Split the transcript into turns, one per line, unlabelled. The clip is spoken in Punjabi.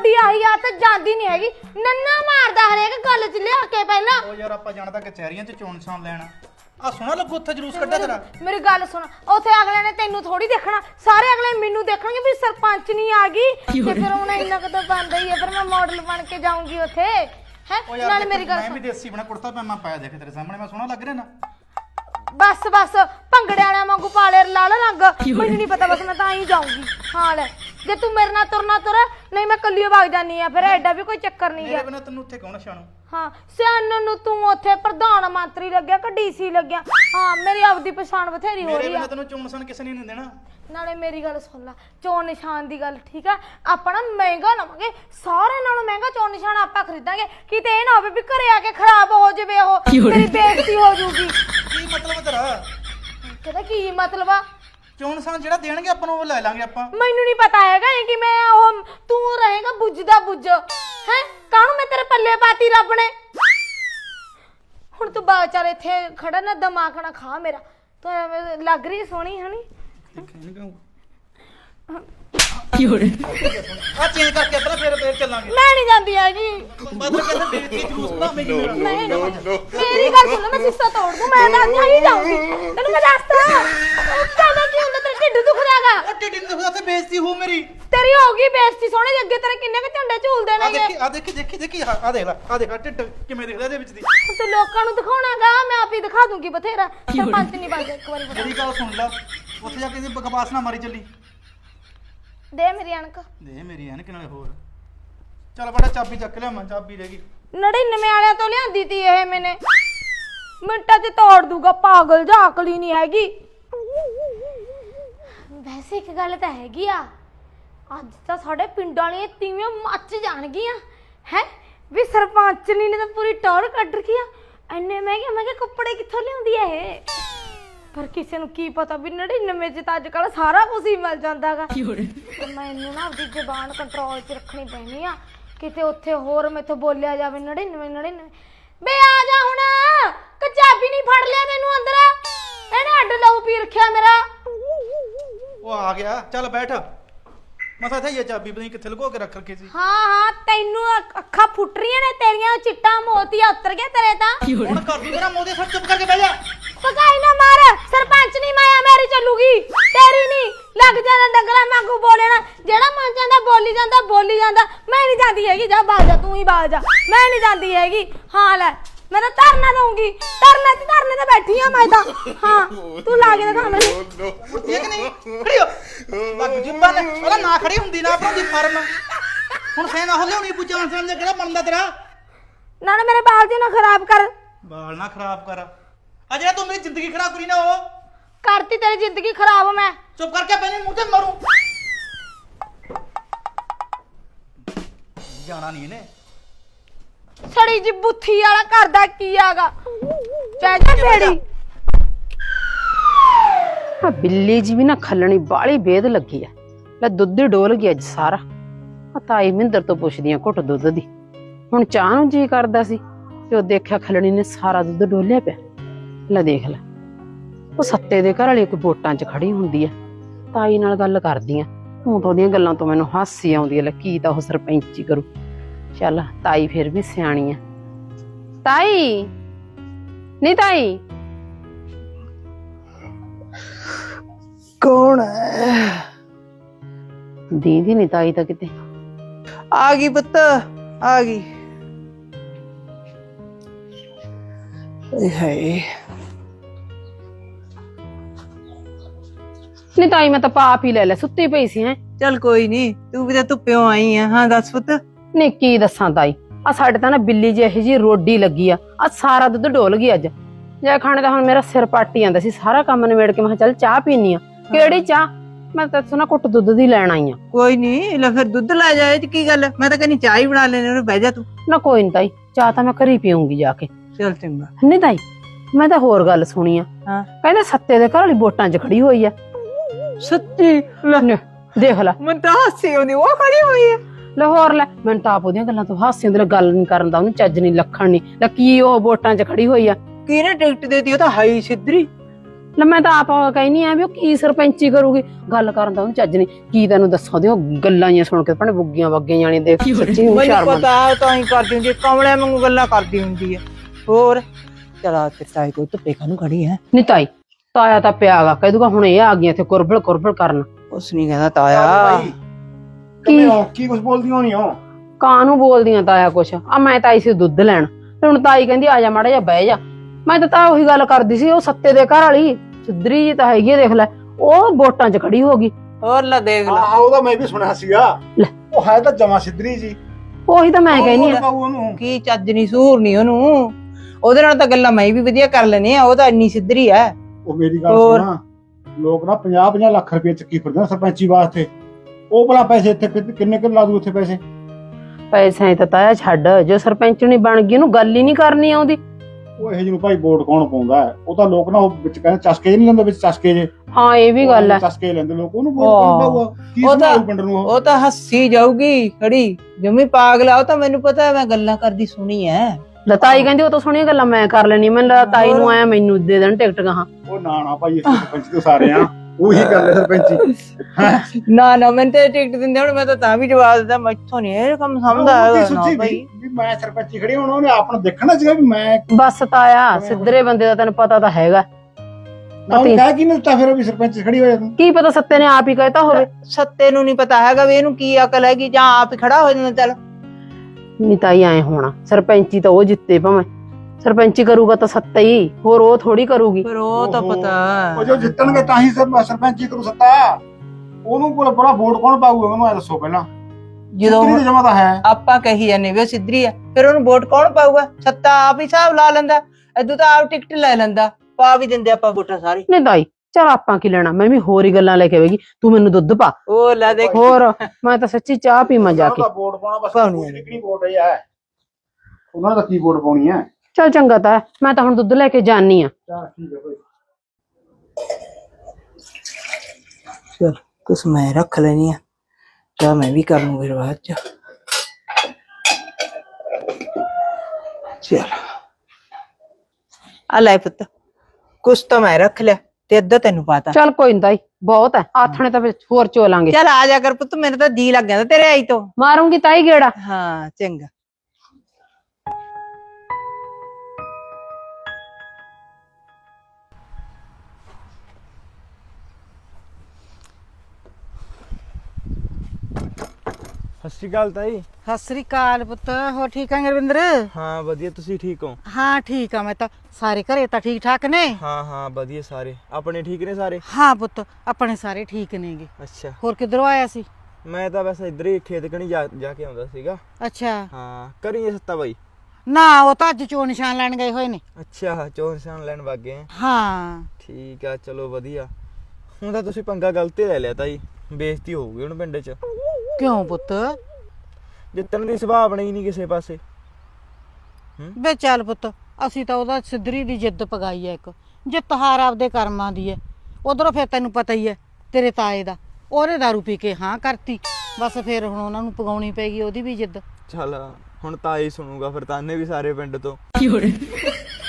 ਤੁਹਾਡੀ ਆਹੀ ਆ ਤਾਂ ਜਾਂਦੀ ਨਹੀਂ ਹੈਗੀ ਨੰਨਾ ਮਾਰਦਾ ਹਰੇਕ ਗੱਲ 'ਚ ਲਿਆ ਕੇ ਪਹਿਲਾਂ।
ਉਹ ਯਾਰ ਆਪਾਂ ਜਾਣਾ ਤਾਂ ਕਚਹਿਰੀਆਂ 'ਚ ਚੋਣ ਨਿਸ਼ਾਨ ਲੈਣਾ ਆ ਸੋਹਣਾ ਲੱਗੂ ਉੱਥੇ ਜਲੂਸ ਕੱਢਿਆ ਤੇਰਾ।
ਮੇਰੀ ਗੱਲ ਸੁਣ ਉੱਥੇ ਅਗਲੇ ਨੇ ਤੈਨੂੰ ਥੋੜੀ ਦੇਖਣਾ ਸਾਰੇ ਅਗਲੇ ਮੈਨੂੰ ਦੇਖਣਗੇ ਵੀ ਸਰਪੰਚ ਨਹੀਂ ਆ ਗਈ ਤੇ ਫਿਰ ਹੁਣ ਇੰਨਾ ਕਦੋਂ ਬਣਦਾ ਹੀ ਹੈ ਫਿਰ ਮੈਂ ਮਾਡਲ ਬਣ ਕੇ ਜਾਊਂਗੀ ਉੱਥੇ ਹੈ। ਨਾਲ ਮੇਰੀ ਗੱਲ
ਮੈਂ ਵੀ ਦੇਸੀ ਬਣਾ ਕੁੜਤਾ ਪਜਾਮਾ ਪਾਇਆ ਦੇਖ ਤੇਰੇ ਸਾਹਮਣੇ ਮੈਂ ਸੋਹਣਾ ਲੱਗ ਰਿਹਾ ਨਾ।
ਬਸ ਭੰਗੜੇ ਵਾਲਿਆਂ ਵਾਂਗੂ ਪਾਲੇ ਲਾਲ ਰੰਗ ਮੈਨੂੰ ਨਹੀਂ ਪਤਾ ਬਸ ਮੈਂ ਤਾਂ ਹੀ ਜਾਊਂਗੀ। ਹਾਂ ਲੈ ਜੇ ਤੂੰ ਮੇਰੇ ਨਾਲ ਤੁਰਨਾ ਤੁਰ ਨਹੀਂ ਮੈਂ ਕੱਲੀ ਵਗ ਜਾਨੀ ਆ ਫਿਰ ਐਡਾ ਵੀ ਕੋਈ ਚੱਕਰ ਨਹੀਂ
ਮੇਰੇ ਬਿਨਾ ਤੈਨੂੰ ਉੱਥੇ ਕੌਣ ਛਾਣੂ।
ਹਾਂ ਸਿਆਣਨ ਨੂੰ ਤੂੰ ਉੱਥੇ ਪ੍ਰਧਾਨ ਮੰਤਰੀ ਲੱਗਿਆ ਕਿ ਡੀਸੀ ਲੱਗਿਆ। ਹਾਂ ਮੇਰੀ ਆਪਦੀ ਪਛਾਣ ਬਥੇਰੀ ਹੋ
ਮੇਰੇ
ਰਹੀ ਆ।
ਬਿਨਾ ਤੈਨੂੰ ਚੋਣ ਨਿਸ਼ਾਨ ਕਿਸੇ ਨੇ ਨਹੀਂ ਦੇਣਾ।
ਨਾਲੇ ਮੇਰੀ ਗੱਲ ਸੁਣ ਲੈ ਚੋਣ ਨਿਸ਼ਾਨ ਦੀ ਗੱਲ ਠੀਕ ਆ ਆਪਾਂ ਨਾ ਮਹਿੰਗਾ ਲਵਾਂਗੇ ਸਾਰਿਆਂ ਨਾਲੋਂ ਮਹਿੰਗਾ ਚੋਣ ਨਿਸ਼ਾਨ ਆਪਾਂ ਖਰੀਦਾਂਗੇ ਕਿਤੇ ਇਹ ਨਾ ਹੋਵੇ ਵੀ ਘਰੇ ਆ ਕੇ ਖਰਾਬ ਹੋ ਜਾਵੇ ਉਹ ਮੇਰੀ ਬੇਇੱਜ਼ਤੀ ਹੋ ਜੂਗੀ।
ਕੀ ਮਤਲਬ ਤੇਰਾ?
ਕਹਿੰਦਾ ਕੀ ਮਤਲਬ ਆ?
ਚੋਣ ਨਿਸ਼ਾਨ ਜਿਹੜਾ ਦੇਣਗੇ ਆਪਾਂ ਨੂੰ ਉਹ ਲੈ ਲਾਂਗੇ ਆਪਾਂ।
ਮੈਨੂੰ ਨਹੀਂ ਪਤਾ ਹੈਗਾ ਕਿ ਮੈਂ ਉਹ ਤੂੰ ਰਹੇਗਾ ਬੁੱਝਦਾ ਬੁੱਝ ਹੈ ਕਾਹਨੂੰ ਮੈਂ ਤੇਰੇ ਪੱਲੇ ਪਾਤੀ ਰੱਬ ਨੇ। ਹੁਣ ਤੂੰ ਬਾਚਾਰ ਇੱਥੇ ਖੜਾ ਨਾ ਦਿਮਾਗ ਨਾ ਖਾ ਮੇਰਾ ਤੂੰ ਐਵੇਂ ਲੱਗ ਰਹੀ ਸੋਹਣੀ ਹਣੀ।
ਕੀ ਹੋ ਰਿਹਾ?
ਆ ਚੇਂਜ ਕਰਕੇ ਆਪਣਾ ਫੇਰ ਚੱਲਾਂਗੇ।
ਮੈਂ ਨਹੀਂ ਜਾਂਦੀ ਹੈਗੀ
ਮਤਲਬ ਕਹਿੰਦੇ ਬੇਇੱਜ਼ਤੀ ਜਲੂਸ ਨਾ ਮੇਰੀ ਮੇਰਾ।
ਨਹੀਂ ਮੇਰੀ ਗੱਲ ਸੁਣ ਮੈਂ ਸਿੱਸਾ ਤੋੜ ਦੂੰ ਮੈਂ ਤਾਂ ਨਹੀਂ ਜਾਊਂਗੀ ਤੈਨੂੰ ਮੈਂ ਦੱਸਦਾ ਕਹਿੰਦਾ ਕੀ ਹੁੰਦਾ ਤੇਰੇ ਢਿੱਡ ਦੁਖਦਾਗਾ।
ਉਹ ਢਿੱਡ ਨੂੰ ਦੁਖਦਾ ਤੇ ਬੇਇੱਜ਼ਤੀ ਹੋ ਮੇਰੀ।
ਤੇਰੀ ਹੋਗੀ ਬੇਇੱਜ਼ਤੀ ਸੋਹਣੇ ਦੇ ਅੱਗੇ ਤੇਰੇ ਕਿੰਨੇ ਕੁ ਝੰਡੇ ਝੂਲਦੇ
ਆ
ਨੇ
ਦੇਖੀ ਆ ਦੇਖੀ ਦੇਖੀ ਦੇਖੀ ਆ ਦੇਖ ਲੈ ਆ ਦੇਖ ਢਿੱਡ ਕਿਵੇਂ ਦਿਖਦਾ ਇਹਦੇ ਵਿੱਚ ਦੀ।
ਤੂੰ ਲੋਕਾਂ ਨੂੰ ਦਿਖਾਉਣਾਗਾ ਮੈਂ ਆਪ ਹੀ ਦਿਖਾ ਦੂੰਗੀ ਬਥੇਰਾ ਸਰਪੰਚ ਨਹੀਂ ਬਣ ਜਾ ਇੱਕ ਵਾਰੀ
ਮੇਰੀ ਗੱਲ ਸੁਣ ਲੈ ਉੱਥੇ ਜਾ ਕੇ ਇਹਦੀ ਬਕਵਾਸ ਨਾ ਮਾਰੀ ਚੱਲੀ।
ਦੇ ਮੇਰੀ ਅਣਕ
ਦੇ ਮੇਰੀ ਐਨਕ ਨਾਲੇ ਹੋਰ ਚੱਲ ਬੜਾ ਚਾਬੀ ਚੱਕ ਲਿਆ ਮੈਂ ਚਾਬੀ ਰਹਿ ਗਈ
99 ਵਾਲਿਆਂ ਤੋਂ ਲਿਆਂਦੀ ਤੀ ਇਹ ਮੈਨੇ ਮਿੰਟਾਂ 'ਚ ਤੋੜ ਦੂਗਾ ਪਾਗਲ ਜਾਂ ਅਕਲ ਹੀ ਨਹੀਂ ਹੈਗੀ। ਵੈਸੇ ਇੱਕ ਗੱਲ ਤਾਂ ਹੈਗੀ ਆ ਅੱਜ ਤਾਂ ਸਾਡੇ ਪਿੰਡ ਵਾਲੀਆਂ ਤੀਵੀਆਂ ਮੱਚ ਜਾਣਗੀਆਂ ਹੈ ਵੀ ਸਰਪੰਚਨੀ ਨੇ ਤਾਂ ਪੂਰੀ ਟੌਰ ਕੱਢ ਰੱਖੀ ਆ। ਇੰਨੇ ਮਹਿੰਗੇ ਕੱਪੜੇ ਕਿੱਥੋਂ ਲਿਆਉਂਦੀ ਆ ਇਹ ਪਰ ਕਿਸੇ ਨੂੰ ਕੀ ਪਤਾ ਵੀ 99 ਚ ਤਾਂ ਅੱਜ ਕੱਲ ਸਾਰਾ ਕੁਝ ਹੀ ਮਿਲ ਜਾਂਦਾਗਾ। ਮੈਨੂੰ ਨਾ ਆਪਦੀ ਜ਼ਬਾਨ ਕੰਟਰੋਲ 'ਚ ਰੱਖਣੀ ਪੈਣੀ ਆ ਕਿਤੇ ਉੱਥੇ ਹੋਰ ਮੈਥੋਂ ਬੋਲਿਆ ਜਾਵੇ 99 ਬੇ ਆ ਜਾ ਹੁਣ ਕਿ ਚਾਬੀ ਨਹੀਂ ਫੜ ਲਿਆ ਤੈਨੂੰ ਅੰਦਰ ਇਹਨੇ ਅੱਡ ਲਹੂ ਪੀ ਰੱਖਿਆ ਮੇਰਾ।
ਉਹ ਆ ਗਿਆ ਚੱਲ ਬੈਠ ਮਸਾ ਇੱਥੇ ਇਹ ਚਾਬੀ ਪਤਾ ਕਿੱਥੇ ਲੁਕੋ ਕੇ ਰੱਖ ਰੱਖੀ ਸੀ।
ਹਾਂ ਤੈਨੂੰ ਅੱਖਾਂ ਫੁੱਟ ਰਹੀਆਂ ਨੇ ਤੇਰੀਆਂ ਚਿੱਟਾ ਮੋਤੀਆ ਉਤਰ ਗਿਆ ਤੇਰੇ ਤਾਂ।
ਹੁਣ ਕਰ ਦੂੰ ਤੇਰਾ ਮੋਦੇ ਸਰ ਚੁੱਪ ਕਰਕੇ ਬਹਿ ਜਾ।
ਪਕਾਈ ਨਾ ਮਾਰ ਸਰਪੰਚ ਨਹੀਂ ਮਾਇਆ ਮੇਰੀ ਚੱਲੂਗੀ ਤੇਰੀ ਨਹੀਂ ਲੱਗ ਜਾਣਾ ਡੰਗਰਾ ਵਾਂਗੂ ਬੋਲਣਾ ਜਿਹੜਾ ਮਨ ਜਾਂਦਾ ਬੋਲੀ ਜਾਂਦਾ ਮੈਂ ਨਹੀਂ ਜਾਂਦੀ ਹੈਗੀ ਜਾ ਬਾਜ ਜਾ ਤੂੰ ਹੀ ਬਾਜ ਜਾ ਮੈਂ ਨਹੀਂ ਜਾਂਦੀ ਹੈਗੀ। ਹਾਂ ਲੈ ਮੈਂ ਤਾਂ ਧਰਨਾ ਦਊਂਗੀ ਧਰਨੇ ਤੇ ਬੈਠੀ ਆ ਮੈਂ ਤਾਂ। ਹਾਂ ਤੂੰ ਲਾ ਕੇ ਦਿਖਾ ਮੈਨੂੰ
ਠੀਕ ਨਹੀਂ ਖੜੀ ਹੋ ਲੱਗ ਜਿੱਬਾਂ ਨੇ ਉਹਦਾ ਨਾ ਖੜੀ ਹੁੰਦੀ ਨਾ ਆਪਣੀ ਫਰਨ ਹੁਣ ਫੇਨ ਉਹ ਲਿਆਉਣੀ ਪੁੱਛਾਂ ਸਮਝ ਕਿਹੜਾ ਬਣਦਾ ਤੇਰਾ
ਨਾ ਮੇਰੇ ਬਾਲ ਜੀ ਨਾ ਖਰਾਬ ਕਰ
ਬਾਲ ਨਾ ਖਰਾਬ ਕਰ ਆ ਜਿਹੜਾ ਤੂੰ ਮੇਰੀ ਜ਼ਿੰਦਗੀ ਖਰਾਬ ਕਰੀ ਨਾ ਉਹ
ਕਰਤੀ ਤੇਰੀ ਜ਼ਿੰਦਗੀ ਖਰਾਬ ਮੈਂ।
ਚੁੱਪ ਕਰਕੇ ਪਹਿਲੇ ਮੂੰਹ ਤੇ ਮਾਰੂ ਜਾਣਾ ਨਹੀਂ ਇਹਨੇ
ਸੜੀ ਜੀ ਬੁੱਥੀ ਵਾਲਾ ਕਰਦਾ ਕੀ ਆਗਾ ਕਹਿ ਜਾ ਬੇੜੀ
ਆ ਬਿੱਲੀ ਜੀ ਵੀ ਨਾ ਖੱਲਣੀ ਬਾਲੀ ਬੇਦ ਲੱਗੀ ਆ ਲੈ ਦੁੱਧ ਹੀ ਡੋਲ ਗਿਆ ਅੱਜ ਸਾਰਾ। ਆ ਤਾਈ ਮਿੰਦਰ ਤੋਂ ਪੁੱਛਦੀ ਆ ਘੁੱਟ ਦੁੱਧ ਦੀ ਹੁਣ ਚਾਹ ਨੂੰ ਜੀ ਕਰਦਾ ਸੀ ਤੇ ਉਹ ਦੇਖਿਆ ਖੱਲਣੀ ਨੇ ਸਾਰਾ ਦੁੱਧ ਡੋਲਿਆ ਪਿਆ। ਲੈ ਦੇਖ ਲੈ ਉਹ ਸੱਤੇ ਦੇ ਘਰ ਵਾਲੀ ਕੋਈ ਵੋਟਾਂ 'ਚ ਖੜੀ ਹੁੰਦੀ ਆ ਤਾਈ ਨਾਲ ਗੱਲ ਕਰਦੀ ਆ ਹੁਣ ਤਾਂ ਉਹਦੀਆਂ ਗੱਲਾਂ ਤੋਂ ਮੈਨੂੰ ਹਾਸੀ ਆਉਂਦੀ ਆ ਲੈ ਕੀ ਤਾਂ ਉਹ ਸਰਪੰਚੀ ਕਰੂ। ਚੱਲ ਤਾਈ ਫਿਰ ਵੀ ਸਿਆਣੀ ਆ। ਤਾਈ ਨਹੀਂ ਤਾਈ
ਕੌਣ ਹੈ?
ਦੀਦੀ ਨਹੀਂ ਤਾਈ ਤਾਂ ਕਿਤੇ
ਆ ਗਈ ਪੁੱਤ ਆ ਗਈ। ਹਾਏ
ਨਹੀਂ ਤਾਈ ਮੈਂ ਤਾਂ ਪਾਪ ਹੀ ਲੈ ਲਿਆ ਸੁੱਤੀ ਪਈ ਸੀ ਹੈ।
ਚੱਲ ਕੋਈ ਨਹੀਂ ਤੂੰ ਵੀ ਤਾਂ ਧੁੱਪਿਓਂ ਆਈ ਆ। ਹਾਂ ਦੱਸ ਪੁੱਤ।
ਨਹੀਂ ਕੀ ਦੱਸਾਂ ਤਾਈ ਆ ਸਾਡੇ ਤਾਂ ਨਾ ਬਿੱਲੀ ਜਿਹੀ ਜੀ ਰੋਡੀ ਲੱਗੀ ਆ ਸਾਰਾ ਦੁੱਧ ਡੋਲ ਗਈ ਅੱਜ ਜੇ ਖਾਣੇ ਦਾ ਹੁਣ ਮੇਰਾ ਸਿਰ ਪਾਟੀ ਜਾਂਦਾ ਸੀ ਸਾਰਾ ਕੰਮ ਨਿਬੇੜ ਕੇ ਮੈਂ ਚੱਲ ਚਾਹ ਪੀਣੀ ਆ। ਕਿਹੜੀ ਚਾਹ ਮੈਂ ਤਾਂ ਨਾ ਕੁੱਟ ਦੁੱਧ ਦੀ ਲੈਣ ਆਈ ਆ।
ਕੋਈ ਨਹੀਂ ਲੈ ਫਿਰ ਦੁੱਧ ਲੈ ਜਾਏ ਤੇ ਕੀ ਗੱਲ ਮੈਂ ਤਾਂ ਕਹਿੰਦੀ ਚਾਹ ਹੀ ਬਣਾ ਲੈਣੇ ਉਹਨੂੰ ਬਹਿ ਜਾ ਤੂੰ।
ਨਾ ਕੋਈ ਨਹੀਂ ਤਾਈ ਚਾਹ ਤਾਂ ਮੈਂ ਘਰੇ ਪੀਉਂਗੀ ਜਾ ਕੇ।
ਚੱਲ ਚੰਗਾ।
ਨਹੀਂ ਤਾਈ ਮੈਂ ਤਾਂ ਹੋਰ ਗੱਲ ਸੁਣੀ ਆ
ਹਾਂ
ਕਹਿੰਦੇ ਸੱਤੇ ਦੇ ਘਰ ਵਾਲੀ ਵੋਟਾਂ 'ਚ ਖੜੀ ਹੋਈ ਆ।
ਸੱਚੀ
ਦੇਖ ਲੈ
ਮੈਂ ਤਾਂ ਹਾਸੀ ਆਉਂਦੀ ਉਹ ਖੜੀ ਹੋਈ ਹੈ।
ਲਾਹੌਰ ਲੈ ਮੈਨੂੰ ਤਾਂ ਆਪ ਉਹਦੀਆਂ ਗੱਲਾਂ ਤੋਂ ਹਾਸੀ ਆਉਂਦੀ ਗੱਲ ਨਹੀਂ ਕਰਨ ਦਾ ਉਹਨੂੰ ਚੱਜ ਨਹੀਂ ਲੱਖਣ ਨਹੀਂ ਲੈ ਕੀ ਉਹ ਵੋਟਾਂ 'ਚ ਖੜੀ ਹੋਈ ਆ।
ਕਿਹਨੇ ਟਿਕਟ ਦੇਤੀ ਉਹ ਤਾਂ ਹਾਈ ਸਿੱਧਰੀ
ਲੈ ਮੈਂ ਤਾਂ ਆਪ ਕਹਿਨੀ ਆ ਵੀ ਉਹ ਕੀ ਸਰਪੰਚੀ ਕਰੂਗੀ, ਗੱਲ ਕਰਨ ਦਾ ਉਹਨੂੰ ਚੱਜ ਨਹੀਂ। ਕੀ ਤੈਨੂੰ ਦੱਸਾਂ ਉਹਦੀਆਂ ਗੱਲਾਂ ਹੀ ਸੁਣ ਕੇ ਭਣੇ ਬੁੱਗੀਆਂ ਵੱਗੇ ਜਾਣੀ ਦੇਖ ਸੱਚੀ ਹੁਸ਼ਿਆਰ
ਮੈਨੂੰ
ਬਣ।
ਪਤਾ ਉਹ ਤਾਂ ਹੀ ਕਰਦੀ ਹੁੰਦੀ ਕਮਲੇ ਵਾਂਗੂ ਗੱਲਾਂ ਕਰਦੀ ਹੁੰਦੀ ਹੈ। ਹੋਰ ਚਲਾ ਤੇ ਤਾਈ ਕੋਈ ਧੁੱਪੇ ਕਾਹਨੂੰ ਖੜੀ ਹੈ?
ਨਹੀਂ ਤਾਈ ਤਾਇਆ ਤਾਂ ਪਿਆਗਾ ਕਹਿ ਦੂਗਾ ਹੁਣ ਇਹ ਆ ਗਈਆਂ ਇੱਥੇ ਕੁਰਬਲ ਕੁਰਬਲ ਕਰਨ।
ਉਸ ਨਹੀਂ ਕਹਿੰਦਾ ਤਾਇਆ।
ਕੀ ਕੁਝ ਬੋਲਦੀ ਹੋਣੀ ਹੋ?
ਕਾਹਨੂੰ ਬੋਲਦੀਆਂ ਤਾਇਆ ਕੁਛ ਆ, ਮੈਂ ਤਾਈ ਸੀ ਦੁੱਧ ਲੈਣ ਤੇ ਹੁਣ ਤਾਈ ਕਹਿੰਦੀ ਆ ਜਾ ਮਾੜਾ ਜਾ ਬਹਿ ਜਾ। ਮੈਂ ਤਾਂ ਉਹੀ ਗੱਲ ਕਰਦੀ ਸੀ, ਉਹ ਸੱਤੇ ਦੇ ਘਰ ਵਾਲੀ ਸੁਧਰੀ ਜੀ ਤਾਂ ਹੈਗੀ ਆ, ਦੇਖ ਲੈ ਉਹ ਵੋਟਾਂ 'ਚ ਖੜੀ ਹੋ ਗਈ।
ਹੋਰ ਲੈ ਦੇਖ ਲੈ।
ਹਾਂ ਉਹਦਾ ਮੈਂ ਵੀ ਸੁਣਿਆ ਸੀਗਾ, ਉਹ ਹੈ ਤਾਂ ਜਮਾ ਸਿੱਧਰੀ ਜੀ।
ਉਹੀ ਤਾਂ ਮੈਂ ਕਹਿੰਦੀ ਆ।
ਉਹਨੂੰ
ਕੀ ਚੱਜ ਨਹੀਂ ਸੂਰ ਨਹੀਂ ਉਹਨੂੰ, ਉਹਦੇ ਨਾਲ ਤਾਂ ਗੱਲਾਂ ਮੈਂ ਵੀ ਵਧੀਆ ਕਰ ਲੈਣੀ ਆ, ਉਹ ਤਾਂ ਇੰਨੀ ਸਿੱਧਰੀ ਐ।
ਉਹ ਮੇਰੀ ਗੱਲ
ਹੋਰ?
ਸੁਣਾ, ਲੋਕ ਨਾ 50-50 ਲੱਖ ਰੁਪਏ ਚੱਕੀ ਫਿਰਦੇ ਨੇ ਸਰਪੰਚੀ ਵਾਸਤੇ। ਉਹ ਭਲਾ ਪੈਸੇ ਇੱਥੇ ਕਿੰਨੇ ਲਾ ਦੂ ਉੱਥੇ ਪੈਸੇ?
ਪੈਸੇ ਤਾਂ ਤਾਇਆ ਛੱਡ, ਜੋ ਸਰਪੰਚ ਨਹੀਂ ਬਣ ਗਈ ਉਹਨੂੰ ਗੱਲ ਹੀ ਨਹੀਂ ਕਰਨੀ ਆਉਂਦੀ।
ਉਹ ਇਹ ਜਿਹਨੂੰ ਭਾਈ ਵੋਟ ਕੌਣ ਪਾਉਂਦਾ ਹੈ? ਉਹ ਤਾਂ ਲੋਕ ਨਾ ਉਹ ਵਿੱਚ ਕਹਿੰਦੇ ਚਸਕੇ ਨਹੀਂ ਲੈਂਦੇ, ਵਿੱਚ ਚਸਕੇ ਜੇ
ਹਾਂ ਇਹ ਵੀ ਗੱਲ ਹੈ।
ਚਸਕੇ ਲੈਂਦੇ ਲੋਕ, ਉਹਨੂੰ ਵੋਟ ਕੌਣ ਪਾਊਗਾ? ਕੀ
ਉਹ ਤਾਂ-
ਸੁਣਾਊ ਪਿੰਡ ਨੂੰ ਉਹ?
ਉਹ ਤਾਂ ਹੱਸੀ ਜਾਊਗੀ ਖੜੀ ਜਮੀ ਪਾਗਲ ਆ, ਉਹ ਤਾਂ ਮੈਨੂੰ ਪਤਾ ਮੈਂ ਗੱਲਾਂ ਕਰਦੀ ਸੁਣੀ ਐ।
ਲਤਾਈ ਕਹਿੰਦੀ ਉਹ ਤਾਂ ਸੋਹਣੀਆਂ ਗੱਲਾਂ ਮੈਂ ਕਰ ਲੈਣੀ, ਮੈਨੂੰ ਲੱਗਦਾ ਤਾਈ ਨੂੰ ਆਇਆ ਮੈਨੂੰ ਦੇ ਦੇਣ ਟਿਕਟ ਗਾਹਾਂ।
ਉਹ ਨਾ ਭਾਈ ਅਸੀਂ ਸਰਪੰਚ ਤੋਂ ਸਾਰੇ ਆ, ਉਹੀ ਗੱਲ ਹੈ ਸਰਪੰਚੀ।
ਨਾ ਮੈਨੂੰ ਤੇ ਟਿਕਟ ਦਿੰਦੇ ਹੁਣ ਮੈਂ ਤਾਂ ਵੀ ਜਵਾਬ ਦਿੰਦਾ, ਮੈਥੋਂ ਨਹੀਂ ਇਹ ਕੰਮ ਸਮਝਦਾ
ਉਹ
ਹੈਗਾ
ਕੀ
ਨਾ
ਸੋਚੀ
ਭਾਈ।
ਵੀ ਮੈਂ ਸਰਪੰਚੀ ਖੜੀ ਹੋਣਾ, ਉਹਨੇ ਆਪ ਨੂੰ ਦੇਖਣਾ ਸੀਗਾ ਵੀ ਮੈਂ
ਬਸ ਤਾਇਆ ਸਿੱਧਰੇ ਬੰਦੇ ਦਾ ਤੈਨੂੰ ਪਤਾ ਤਾਂ ਹੈਗਾ।
ਨਾ ਉਹਨੂੰ ਕਹਿ ਕੀ ਨਹੀਂ ਦਿੱਤਾ ਫਿਰ ਵੀ ਸਰਪੰਚ ਖੜੀ ਹੋ ਜਾ ਤੂੰ।
ਕੀ ਪਤਾ ਸੱਤੇ ਨੇ ਆਪ ਹੀ ਕਹਿਤਾ ਹੋਵੇ।
ਸੱਤੇ ਨੂੰ ਨਹੀਂ ਪਤਾ ਹੈਗਾ ਵੀ ਇਹਨੂੰ ਕੀ ਅਕਲ ਹੈਗੀ, ਜਾਂ ਆਪ ਹੀ ਖੜਾ ਹੋ ਜਾਂਦਾ। ਚੱਲ
ਨਹੀਂ ਤਾਈ ਐ ਹੋਣਾ, ਸਰਪੰਚੀ ਤਾਂ ਉਹ ਜਿੱਤੇ ਭਾਵੇਂ, ਸਰਪੰਚੀ ਕਰੂਗਾ ਤਾਂ ਸੱਤਾ ਹੀ, ਹੋਰ ਉਹ ਥੋੜੀ ਕਰੂਗੀ।
ਪਰ ਉਹ ਤਾਂ
ਓਹੋ।
ਪਤਾ
ਉਹ ਜੋ ਜਿੱਤਣਗੇ ਤਾਂ ਹੀ ਸਰਪੰਚੀ ਕਰੂ ਸੱਤਾ। ਉਹਨੂੰ ਕੋਲ ਬੜਾ ਵੋਟ ਕੌਣ ਪਾਊਗਾ ਮੈਨੂੰ ਇਹ ਦੱਸੋ ਪਹਿਲਾਂ।
ਜਦੋਂ
ਸਿੱਧਰੀ ਜਮਾ ਤਾਂ ਹੈ।
ਆਪਾਂ ਕਹੀ ਜਾਂਦੇ ਵੀ ਉਹ ਸਿੱਧਰੀ ਆ, ਫਿਰ ਉਹਨੂੰ ਵੋਟ ਕੌਣ ਪਾਊਗਾ? ਸੱਤਾ ਆਪ ਹੀ ਹਿਸਾਬ ਲਾ ਲੈਂਦਾ, ਇਦੋਂ ਤਾਂ ਆਪ ਟਿਕਟ ਲੈ ਲੈਂਦਾ, ਪਾ ਵੀ ਦਿੰਦੇ ਆਪਾਂ ਵੋਟਾਂ ਸਾਰੀ।
ਨਹੀਂ ਤਾਈ ਚਲ ਆਪਾਂ ਕੀ ਲੈਣਾ, ਮੈਂ ਵੀ ਹੋਰ ਹੀ ਗੱਲਾਂ ਲੈ ਕੇ ਆਵੇਗੀ, ਤੂੰ ਮੈਨੂੰ ਦੁੱਧ ਪਾ।
ਉਹ ਲੈ ਦੇਖ
ਹੋਰ ਮੈਂ ਤਾਂ ਸੱਚੀ ਚਾਹ ਪੀਵਾਂ ਜਾ ਕੇ।
ਉਹਦਾ ਵੋਟ ਪਾਉਣਾ ਬਸ,
ਪਾਉਣੀ
ਕੋਈ ਨਿਕਣੀ ਵੋਟ ਹੈ। ਉਹਨਾਂ ਦਾ ਕੀ ਵੋਟ ਪਾਉਣੀ ਹੈ?
ਚਲ ਚੰਗਾ ਤਾਂ ਮੈਂ ਤਾਂ ਹੁਣ ਦੁੱਧ ਲੈ ਕੇ ਜਾਨੀ ਆ।
ਚਲ ਠੀਕ ਹੈ ਭਾਈ।
ਚਲ ਕੁਛ ਮੈਂ ਰੱਖ ਲੈਣੀ ਆ, ਚਾਹ ਮੈਂ ਵੀ ਕਰ ਲੂੰ ਫਿਰ ਬਾਅਦ ਚ। ਚਲ ਆ ਲੈ ਪੁੱਤ, ਕੁਛ ਤਾਂ ਮੈਂ ਰੱਖ ਲਿਆ ਤੇ ਅੱਧਾ ਤੈਨੂੰ ਪਾਤਾ।
ਚਲ ਕੋਈ ਨਹੀਂ ਤਾਈ ਬਹੁਤ ਹੈ, ਆਥਣੇ ਤਾਂ ਫਿਰ ਹੋਰ ਚੋਲਾਂਗੇ।
ਚੱਲ ਆ ਜਾ ਕਰ ਪੁੱਤ, ਮੇਰੇ ਤਾਂ ਜੀ ਲੱਗ ਜਾਂਦਾ ਤੇਰੇ ਆਈ ਤੋਂ।
ਮਾਰੂੰਗੀ ਤਾਈ ਗੇੜਾ।
ਹਾਂ ਚੰਗਾ।
ਸਤਿ ਸ਼੍ਰੀ ਅਕਾਲ ਤਾਈ।
ਸਤਿ ਸ੍ਰੀ ਅਕਾਲ ਪੁੱਤ, ਹੋਰ ਠੀਕ ਆ ਗੁਰਵਿੰਦਰ?
ਹਾਂ ਵਧੀਆ, ਤੁਸੀਂ ਠੀਕ ਹੋ?
ਹਾਂ ਠੀਕ ਆ, ਮੈਂ ਤਾਂ ਸਾਰੇ ਘਰੇ ਤਾਂ ਠੀਕ ਠਾਕ ਨੇ।
ਹਾਂ ਹਾਂ ਵਧੀਆ, ਸਾਰੇ ਆਪਣੇ ਠੀਕ ਨੇ ਸਾਰੇ?
ਹਾਂ ਪੁੱਤ ਆਪਣੇ ਸਾਰੇ ਠੀਕ ਨੇਗੇ।
ਅੱਛਾ,
ਹੋਰ ਕਿੱਧਰੋਂ ਆਇਆ ਸੀ?
ਮੈਂ ਤਾਂ ਵੈਸੇ ਇੱਧਰ ਹੀ ਖੇਤ ਕਣੀ ਜਾ ਕੇ ਆਉਂਦਾ ਸੀਗਾ।
ਅੱਛਾ,
ਹਾਂ ਕਰੀਏ ਸੱਤਾ ਬਾਈ?
ਨਾ ਉਹ ਤਾਂ ਅੱਜ ਚੋਣ ਨਿਸ਼ਾਨ ਲੈਣ ਗਏ ਹੋਏ ਨੇ।
ਅੱਛਾ, ਚੋਣ ਨਿਸ਼ਾਨ ਲੈਣ ਵਗ ਗਏ ਆ।
ਹਾਂ
ਠੀਕ ਆ, ਚਲੋ ਵਧੀਆ। ਹੁਣ ਤਾਂ ਤੁਸੀਂ ਪੰਗਾ ਗਲਤ ਹੀ ਲੈ ਲਿਆ ਤਾਈ, ਬੇਇੱਜ਼ਤੀ ਹੋਊਗੀ ਹੁਣ ਪਿੰਡ 'ਚ।
ਕਿਉਂ ਪੁੱਤ?
ਜਿੱਤਣ ਦੀ ਸੁਭਾਅ ਬਣੀ ਨਹੀਂ ਕਿਸੇ ਪਾਸੇ।
ਵੇ ਚੱਲ ਪੁੱਤ, ਅਸੀਂ ਤਾਂ ਉਹਦਾ ਸਿੱਧਰੀ ਦੀ ਜਿੱਦ ਪਗਾਈ ਐ, ਇੱਕ ਜਿੱਤ ਹਾਰ ਆਪਦੇ ਕਰਮਾਂ ਦੀ ਐ। ਉਧਰੋਂ ਫਿਰ ਤੈਨੂੰ ਪਤਾ ਹੀ ਐ ਤੇਰੇ ਤਾਏ ਦਾ, ਉਹਨੇ ਦਾਰੂ ਪੀ ਕੇ ਹਾਂ ਕਰਤੀ, ਬਸ ਫਿਰ ਹੁਣ ਉਹਨਾਂ ਨੂੰ ਪਗਾਉਣੀ ਪੈਗੀ ਉਹਦੀ ਵੀ ਜਿੱਦ।
ਚੱਲ ਹੁਣ ਤਾਈ ਸੁਣੂਗਾ ਫਿਰ ਤਾਨੇ ਵੀ ਸਾਰੇ ਪਿੰਡ ਤੋਂ।